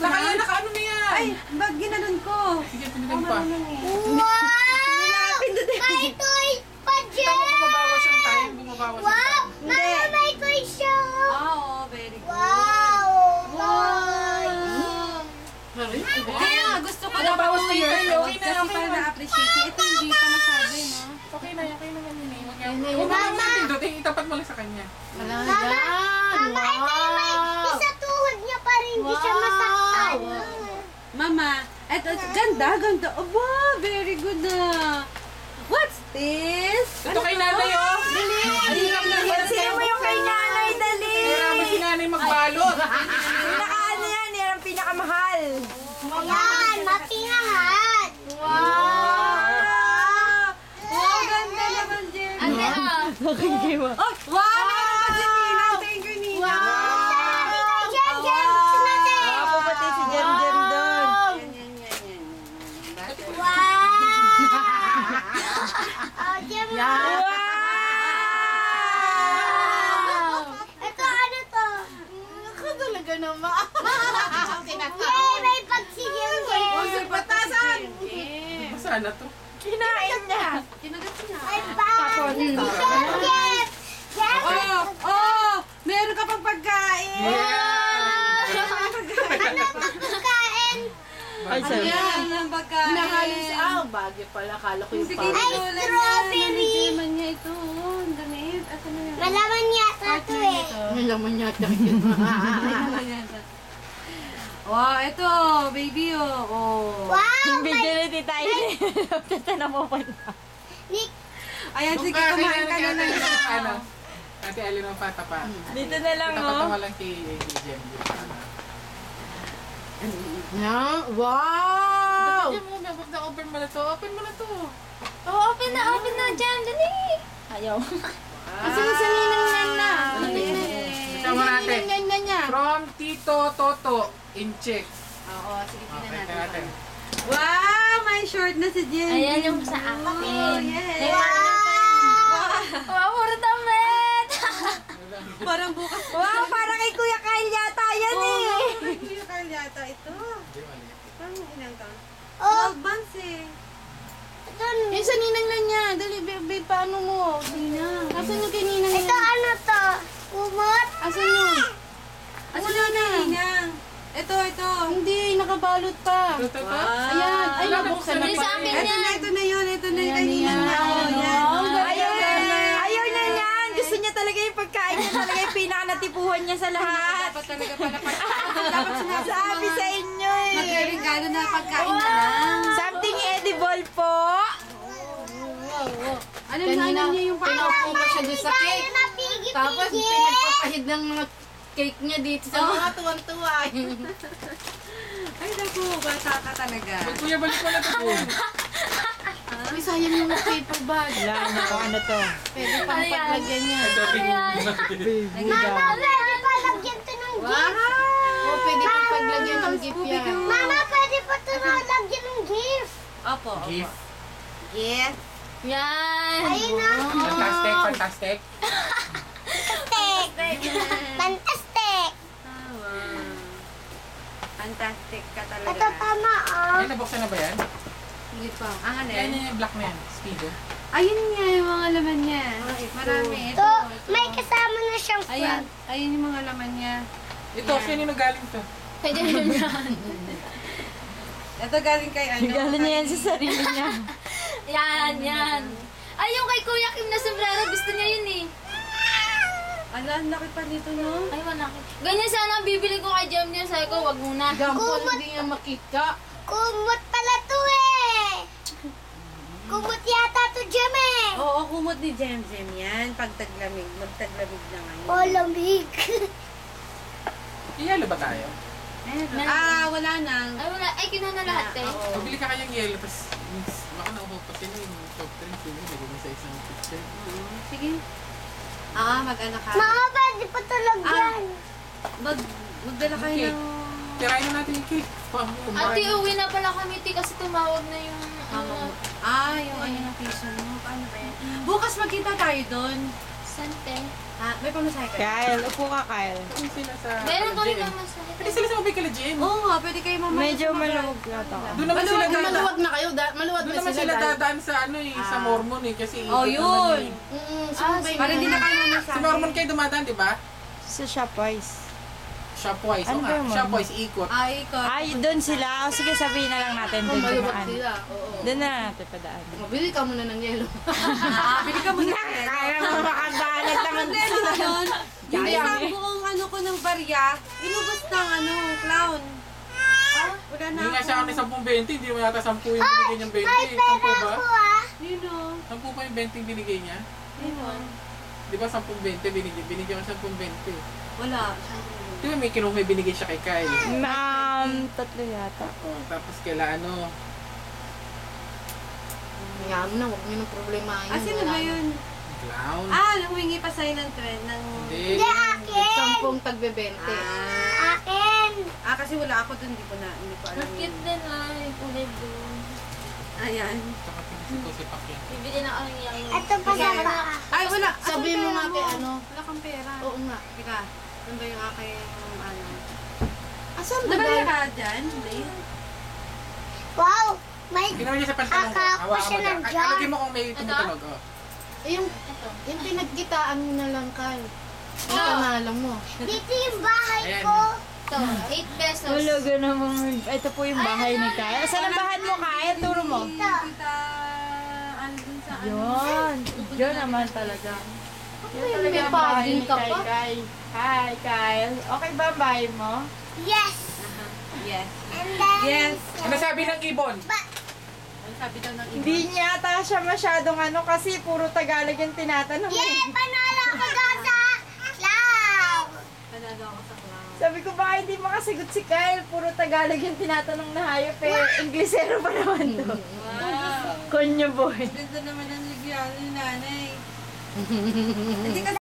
Naka-ano na yan? Ay, bag ginanon ko. Sige, pinitin pa. Wow! May toy pa Kita mo dyan! bumabawas yung time, bumabawas yung Wow! time. Mama, may toy siya! Oo, very good. Wow! Wow! Sorry? Kaya nga, gusto ko na Bumabawas na yun. Okay na, Kasi okay para na. na-appreciate niya. Ito hindi pa masabi, no? Okay na yan, yun eh. Huwag mo Mama! naman pindutin, itapat mo lang sa kanya. Wala Mama, yan. Mama, ito yung may isa tuhod niya pa rin. Hindi siya masaktan. Mama, eto, ganda. Aba, very good na. What's this? Ito kay nanay, oh. Sino mo yung kay nanay, dali? Kaya mo si nanay magbalot. Pinakaano yan, yan ang pinakamahal. Ayan, mapingahan. Wow, ganda naman, Jen. Ate, Oh, wow, meron pa si Ninang. Thank you, Ninang. Sabi ko, Jem, Jem, natin. Ako pati si Jem Jem doon. Yan. Wow! Oh, Jem, ito, ano to? Ako talaga naman. Yay, may pagsigil, Jem. Patasan. Masana to. Kinain niya. Kinagat niya. May bag. Jem, Jem. Jem, Oh, meron ka pang pagkain. ano pagkain? Ay, sorry. Ayan, ang pagkain. Nakalis. Bagay pala. Kala ko yung Sige, parang. Ay, strawberry. Naman niya ito. Ang damit. Ito na yan. Malaman yata to eh. May laman yata. Wow, ito, baby, oh. Wow, Video na di tayo. Tata mo pa na. Nick, Ayan, sige, Kaya kumain ka na nanay, lang. ano, Ate Alin ang pata pa. Dito na lang, Itapat oh. mo lang kay Jem. Yan. Wow! Jem mo, huwag na open mo na to. Open mo na to. open na dyan, dali. Ayaw. Kasi sa ninang yan na. Ito mo natin. Ninang yan niya. From Tito Toto in check. Oo, sige, tingnan Okay, natin. natin. Wow, may short na si Jen. Ayan yung sa akin. Oh, yes. Wow, puro damit. Parang bukas. Wow, parang kay Kuya Kyle yata yan eh. Kuya Carl yata ito. Parang ilang taon? Oh, 12 months eh. ito, Yan sa ninang lang niya. Dali, babe, paano mo? Ninang. Asan yung kay ninang ito yan? ano to? Kumot? Asan yun? Asan na Ninang? Ito. Hindi, nakabalot pa. Ito. Ayan. Ay, Wala, nabuksan na nabuksan pa. sa akin Ito yan. na, ito na yun. Ito na yung kay Ayan, Ninang na. ayan. Oh, yan. Ayaw na yan. Gusto niya talaga yung pagkain niya talaga yung pinakanatipuhan niya sa lahat. Dapat talaga pala dapat sinabi Sabi sa inyo eh. magregalo na pagkain na lang. Something edible po. Ano na niya yung Pinaupo ko siya doon sa cake. Tayo na pigi-pigi. Tapos pinagpapahid ng mga cake niya dito sa mga tuwan-tuwa. Ay, naku, bata ka talaga. Kuya, balik mo na to. Uy, sayang yung paper bag. Wala na kung ano to. Pwede pang paglagyan niya. Mama, pwede pa lagyan to ng gift. O, pwede pang paglagyan ng gift yan. Mama, pwede pa to na lagyan ng gift. Opo. Gift. Yes. Yan. Ayun na. Fantastic, fantastic. Fantastic. Fantastic ka talaga. Ito tama oh. Ay, nabuksan na ba yan? Hindi pa. Ah, ano Yan yan? yung black na yan. Speedo. Ayun nga yung mga laman niya. Marami. Ito, may kasama na siyang Ayan. frog. Ayun yung mga laman niya. Ito, sino yung galing to? Pwede rin yan. Ito galing kay ano? Galing niya yan sa sarili niya. Yan. Ay, yung kay Kuya Kim na sombrero, gusto niya yun eh. Ala, ang laki pa nito, no? Ay, wala. Ganyan sana ang bibili ko kay Jem Jem. Sabi ko, wag muna. Gampol, hindi niya makita. Kumot pala to eh. Kumot yata to Jem eh. Oo, kumot ni Jem Jem yan. Pag taglamig, magtaglamig na ngayon. Oh, lamig. Iyalo ba tayo? Wala na. Ay, wala. Ay, kinuha na lahat eh. Oo. Pabili ka kayang yelo, tapos baka nauho pa sila yung soft drinks yun. Lagay mo sa isang picture. Sige. Mag-ano ka. Mama, pwede pa to lagyan. Magdala kayo Okay. ng... Tirahin na natin yung cake. Ate, uwi na pala kami, ti, kasi tumawag na yung... yung ano ng piso mo. Paano ba yan? Bukas magkita tayo doon. Sante. Ha? May pamasahe ka? Kyle, upo ka, Kyle. Doon sila sa... Meron to rin GM. naman sa Pwede sila sa Mobile Kala GM. Oo nga, pwede kayo mamaya. Medyo maluwag yata. Doon naman sila dadaan. Maluwag na kayo. Maluwag Doon na naman sila. sila dahil- dadaan sa ano eh, sa Mormon eh. Kasi Oh, ikot yun. naman eh. Sumabay Para hindi na kayo mamasahe. Sa Mormon kayo dumadaan, di ba? Sa Shopwise. Shopwise. Ano Oo ba nga, yung Mormon? Shopwise, ikot. Ay, ikot. Ay, doon sila. O sige, sabihin na lang natin doon Maluwag dumaan. sila. Oo. Doon na lang natin padaan. Mabili ka muna ng yelo. Bili ka muna. Kaya mo makabalat naman Ano yun? Yung Kaya isang eh. buong ano ko ng barya, inubos ng ano, clown. Wala na Hindi nga siya ako. kami 10-20, hindi mo yata 10 yung binigay niyang 20. 10 ba? Ako ah. Yun o. 10 pa yung 20 yung binigay niya? Yun o. Di ba 10-20 binigyan ko 10-20. Wala. Di ba may binigay siya kay Kyle? Tatlo yata. Oh, tapos kaila ano, Hayaan mo na, huwag mo ng problema. Ah, sino ba yun? clown. Ah, humingi pa sa'yo ng trend ng... Hindi. Hindi akin. 10 tagbe-20. Akin. Ah, kasi wala ako dun, hindi ko alam yun. din ay kulay blue. Ayan. Tsaka pinisito si Pacquiao. Bibili na kami yung... Ito pa sa baka. Ay, wala. Sabihin mo nga kay ano. Wala kang pera. Oo nga. Teka, ano ba yung aking ano? Asan ba Nabali dahil? ka dyan, Blaine? Wow. May... Ginawa niya sa pantalong ko. Akala ko Hawakan siya mo dyan. nandyan. Alagay mo kung may tumutunog. Oh. Yung pinagkitaan mo na lang, Kyle. Yung pangalan mo. Dito yung bahay Ayan. ko. Ito, 8 pesos. Wala naman. Ito po yung bahay ni Kyle. Saan ang bahay mo, Kyle? Turo mo. Kita, ano dun sa ano? Yun. Yun naman talaga. Yun talaga May ang bahay paging ni ka pa. Kyle. Hi, Kyle. Okay ba ang bahay mo? Yes. Yes. And then... Yes. Ano sabi ng ibon? Ang sabi daw ng iba. Hindi niya ata siya masyadong ano kasi puro Tagalog yung tinatanong. Yay! Panalo ko doon sa cloud. Panalo ako sa clown. Sabi ko baka hindi makasagot si Kyle. Puro Tagalog yung tinatanong na hayop eh. Inglesero pa naman to. Wow. Konyo boy. Ganda naman ang ligyan ni nanay. Hindi kasi